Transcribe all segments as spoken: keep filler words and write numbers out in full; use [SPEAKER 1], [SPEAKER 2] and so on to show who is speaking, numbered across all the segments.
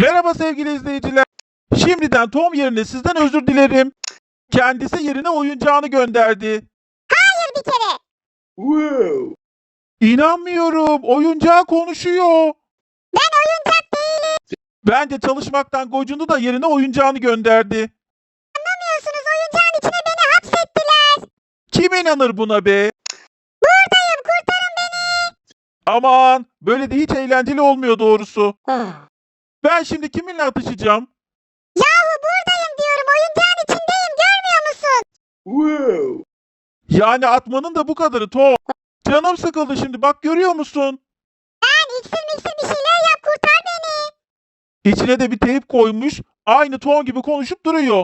[SPEAKER 1] Merhaba sevgili izleyiciler. Şimdiden Tom yerine sizden özür dilerim. Kendisi yerine oyuncağını gönderdi.
[SPEAKER 2] Hayır bir kere.
[SPEAKER 3] Wow.
[SPEAKER 1] İnanmıyorum. Oyuncağı konuşuyor.
[SPEAKER 2] Ben oyuncak değilim.
[SPEAKER 1] Bence çalışmaktan gocundu da yerine oyuncağını gönderdi.
[SPEAKER 2] Anlamıyorsunuz, oyuncağın içine beni hapsettiler.
[SPEAKER 1] Kim inanır buna be?
[SPEAKER 2] Buradayım, kurtarın beni.
[SPEAKER 1] Aman, böyle de hiç eğlenceli olmuyor doğrusu. Ben şimdi kiminle atışacağım?
[SPEAKER 2] Yahu buradayım diyorum, oyuncağın içindeyim, görmüyor musun?
[SPEAKER 3] Wow.
[SPEAKER 1] Yani atmanın da bu kadarı Tom. Canım sıkıldı şimdi, bak görüyor musun?
[SPEAKER 2] Ben iksir miksir bir şeyler yap, kurtar beni.
[SPEAKER 1] İçine de bir teyp koymuş. Aynı Tom gibi konuşup duruyor.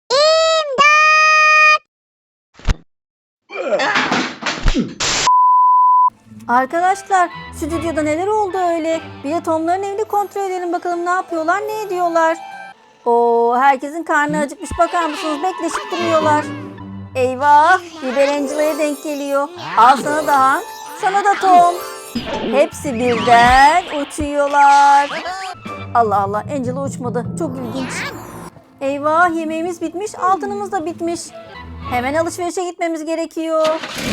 [SPEAKER 4] Arkadaşlar, stüdyoda neler oldu öyle? Bir de Tom'ların evini kontrol edelim bakalım ne yapıyorlar, ne ediyorlar. Oo, herkesin karnı acıkmış, bakar mısınız? Bekleşip duruyorlar. Eyvah, Biber Angela'ya denk geliyor. Al sana da Hank, sana da Tom. Hepsi birden uçuyorlar. Allah Allah, Angela uçmadı. Çok ilginç. Eyvah, yemeğimiz bitmiş, altınımız da bitmiş. Hemen alışverişe gitmemiz gerekiyor.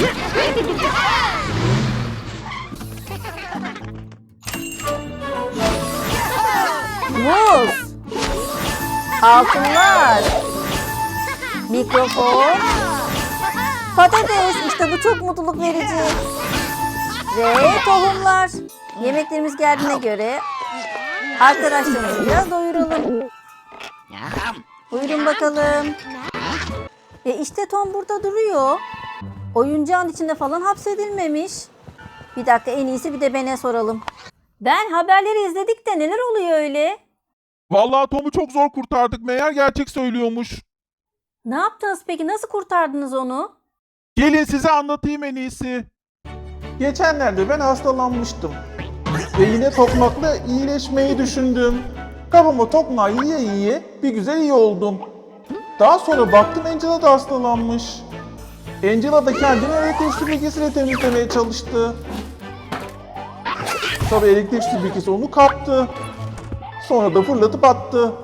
[SPEAKER 4] Muz, altınlar, mikrofon, patates, işte bu çok mutluluk verici. Ve tohumlar. Yemeklerimiz geldiğine göre arkadaşlarımızı biraz doyuralım. Buyurun bakalım. E işte Tom burada duruyor. Oyuncağın içinde falan hapsedilmemiş. Bir dakika, en iyisi bir de Ben'e soralım. Ben, haberleri izledik de neler oluyor öyle?
[SPEAKER 1] Vallahi Tom'u çok zor kurtardık. Meğer gerçek söylüyormuş.
[SPEAKER 4] Ne yaptınız peki? Nasıl kurtardınız onu?
[SPEAKER 1] Gelin size anlatayım en iyisi.
[SPEAKER 3] Geçenlerde ben hastalanmıştım. Ve yine tokmakla iyileşmeyi düşündüm. Kafama tokmağı yiye yiye bir güzel iyi oldum. Daha sonra baktım Angela da hastalanmış. Angela da kendini elektrik süpürgesiyle temizlemeye çalıştı. Tabii elektrik süpürgesi onu kaptı. Sonra da fırlatıp attı.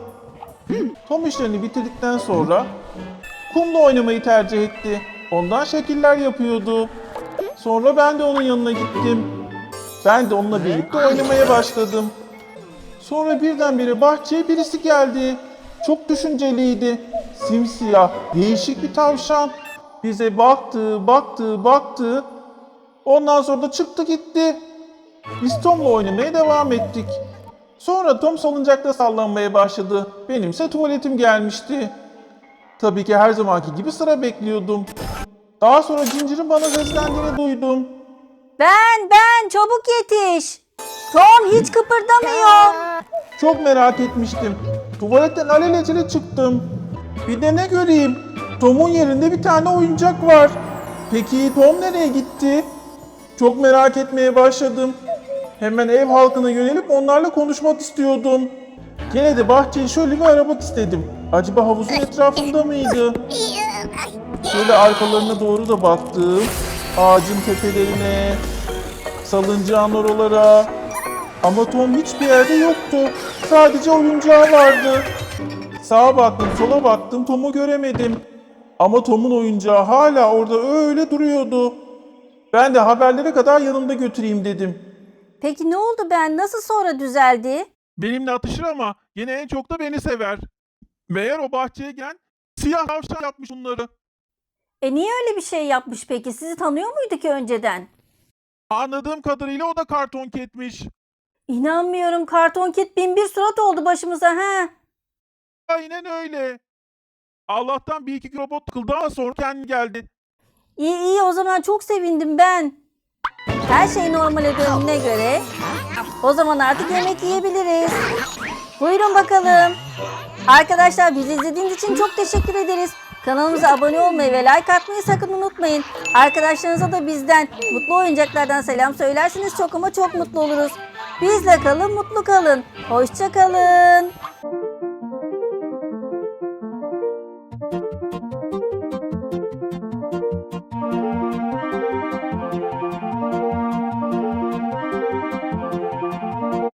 [SPEAKER 3] Tom işlerini bitirdikten sonra kumla oynamayı tercih etti. Ondan şekiller yapıyordu. Sonra ben de onun yanına gittim. Ben de onunla birlikte oynamaya başladım. Sonra birdenbire bahçeye birisi geldi. Çok düşünceliydi. Simsiyah, değişik bir tavşan. Bize baktı, baktı, baktı. Ondan sonra da çıktı gitti. Biz Tom'la oynamaya devam ettik. Sonra Tom salıncakta sallanmaya başladı. Benimse tuvaletim gelmişti. Tabii ki her zamanki gibi sıra bekliyordum. Daha sonra Ginger'ın bana seslendiğini duydum.
[SPEAKER 4] Ben, ben, çabuk yetiş. Tom hiç kıpırdamıyor.
[SPEAKER 3] Çok merak etmiştim. Tuvaletten alelacele çıktım. Bir de ne göreyim? Tom'un yerinde bir tane oyuncak var. Peki Tom nereye gitti? Çok merak etmeye başladım. Hemen ev halkına yönelip onlarla konuşmak istiyordum. Gene de bahçeyi şöyle bir aramak istedim. Acaba havuzun etrafında mıydı? Şöyle arkalarına doğru da baktım. Ağacın tepelerine, salıncağın oralara. Ama Tom hiçbir yerde yoktu. Sadece oyuncağı vardı. Sağa baktım, sola baktım, Tom'u göremedim. Ama Tom'un oyuncağı hala orada öyle duruyordu. Ben de haberlere kadar yanımda götüreyim dedim.
[SPEAKER 4] Peki ne oldu ben? Nasıl sonra düzeldi?
[SPEAKER 1] Benimle atışır ama yine en çok da beni sever. Meğer o bahçeye gelen siyah tavşan yapmış bunları.
[SPEAKER 4] E niye öyle bir şey yapmış peki? Sizi tanıyor muydu ki önceden?
[SPEAKER 1] Anladığım kadarıyla o da karton ketmiş.
[SPEAKER 4] İnanmıyorum, karton kit bin bir surat oldu başımıza he.
[SPEAKER 1] Aynen öyle. Allah'tan bir iki robot tıkıldı ama sonra kendi geldi.
[SPEAKER 4] İyi iyi, o zaman çok sevindim ben. Her şey normale döndüğüne göre o zaman artık yemek yiyebiliriz. Buyurun bakalım. Arkadaşlar, bizi izlediğiniz için çok teşekkür ederiz. Kanalımıza abone olmayı ve like atmayı sakın unutmayın. Arkadaşlarınıza da bizden, mutlu oyuncaklardan selam söylerseniz çok ama çok mutlu oluruz. Bizle kalın, mutlu kalın. Hoşça kalın.